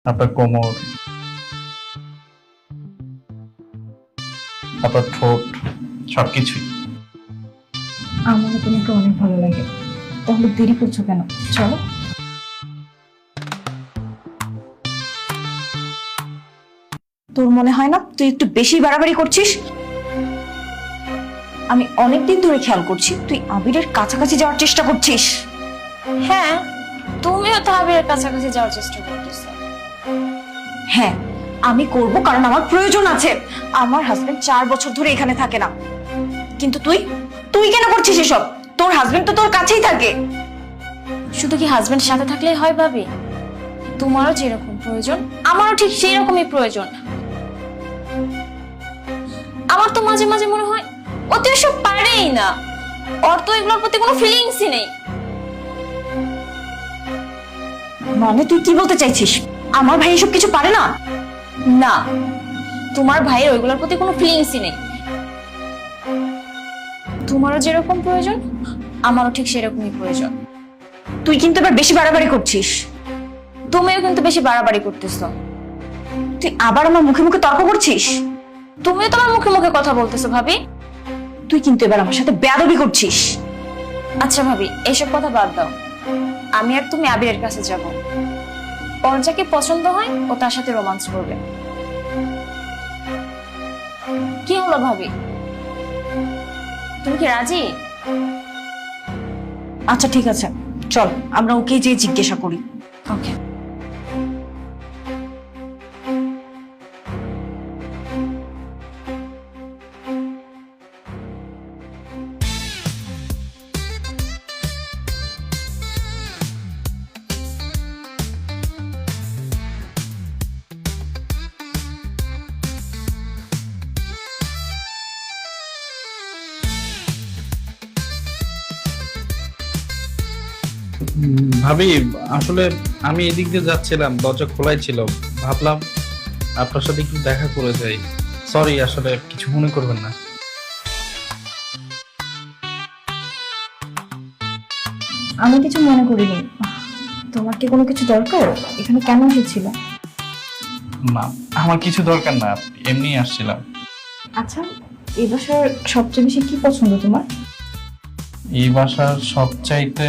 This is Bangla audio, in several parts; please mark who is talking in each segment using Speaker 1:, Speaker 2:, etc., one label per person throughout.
Speaker 1: আপনার কোমর, আপনার ঠোঁট, সবকিছুই।
Speaker 2: আমার তোমাকে অনেক ভালো লাগে। তাহলে দেরি করছো কেন? চলো। তোর মনে হয় না তুই একটু বেশি বাড়াবাড়ি করছিস? আমি অনেকদিন ধরে খেয়াল করছি তুই আবিরের কাছাকাছি যাওয়ার চেষ্টা করছিস।
Speaker 3: হ্যাঁ, তুমিও তো আবিরের কাছাকাছি যাওয়ার চেষ্টা করতেছো।
Speaker 2: হ্যাঁ, আমি করব কারণ আমার প্রয়োজন আছে। আমার হাজবেন্ড 4 বছর ধরে এখানে থাকে না, কিন্তু তুই তুই কেন করছিস এসব? তোর হাজবেন্ড তো তোর কাছেই থাকে।
Speaker 3: শুধু কি হাজবেন্ড সাথে থাকলেই হয় ভাবি? তোমারও যেরকম প্রয়োজন আমারও ঠিক সেই রকমই প্রয়োজন। আমার তো মাঝে মাঝে মনে হয় ও তো এসব পারেই না, ওর তো এগুলোর প্রতি কোনো ফিলিংসই নেই।
Speaker 2: মানে তুই কি বলতে চাইছিস? আমার ভাই এসব কিছু পারে না?
Speaker 3: না, তোমার ভাইয়ের ওইগুলোর প্রতি কোনো ফিলিংসই নেই। তোমারও যেরকম প্রয়োজন আমারও ঠিক সেরকমই প্রয়োজন।
Speaker 2: তুই কিন্তু এবার বেশি বাড়াবাড়ি করছিস।
Speaker 3: তুমিও কিন্তু বেশি বাড়াবাড়ি করতেছো।
Speaker 2: তুই আবার আমার মুখে মুখে তর্ক করছিস।
Speaker 3: তুমিও তোমার মুখে মুখে কথা বলতেছো ভাবি।
Speaker 2: তুই কিন্তু এবার আমার সাথে বেয়াদবি করছিস।
Speaker 3: আচ্ছা ভাবি, এইসব কথা বাদ দাও। আমি আর তুমি আবিরের কাছে যাব। ওর যাকে পছন্দ হয় ও তার সাথে রোমান্স করবে। কি হলো ভাবি, তুমি কি রাজি?
Speaker 2: আচ্ছা ঠিক আছে, চল আমরা ওকে যেয়ে জিজ্ঞাসা করি।
Speaker 3: ওকে।
Speaker 1: ভাবি, আসলে আমি এদিক দিয়ে যাচ্ছিলাম, দরজা খোলাই ছিল, ভাবলাম আপনার সাথে একটু দেখা করে যাই। সরি, আসলে কিছু মনে করবেন না।
Speaker 2: আমি কিছু মনে করিনি। তোমার কি কোনো কিছু দরকার? এখানে কেন এসেছিল?
Speaker 1: না, আমার কিছু দরকার না, এমনি আসছিলাম।
Speaker 2: আচ্ছা, এই বাসার সবচেয়ে বেশি কি পছন্দ তোমার?
Speaker 1: এই বাসার সবচাইতে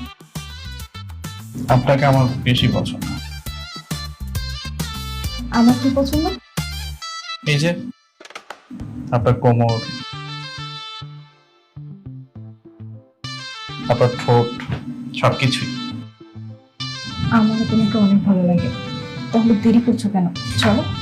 Speaker 1: আপনাকে আমার বেশি পছন্দ।
Speaker 2: আমার কি পছন্দ?
Speaker 1: এই যে আপনার কোমর, আপনার ঠোঁট, সবকিছুই।
Speaker 2: আমার তোমাকে অনেক ভালো লাগে। তাহলে দেরি করছো কেন? চলো।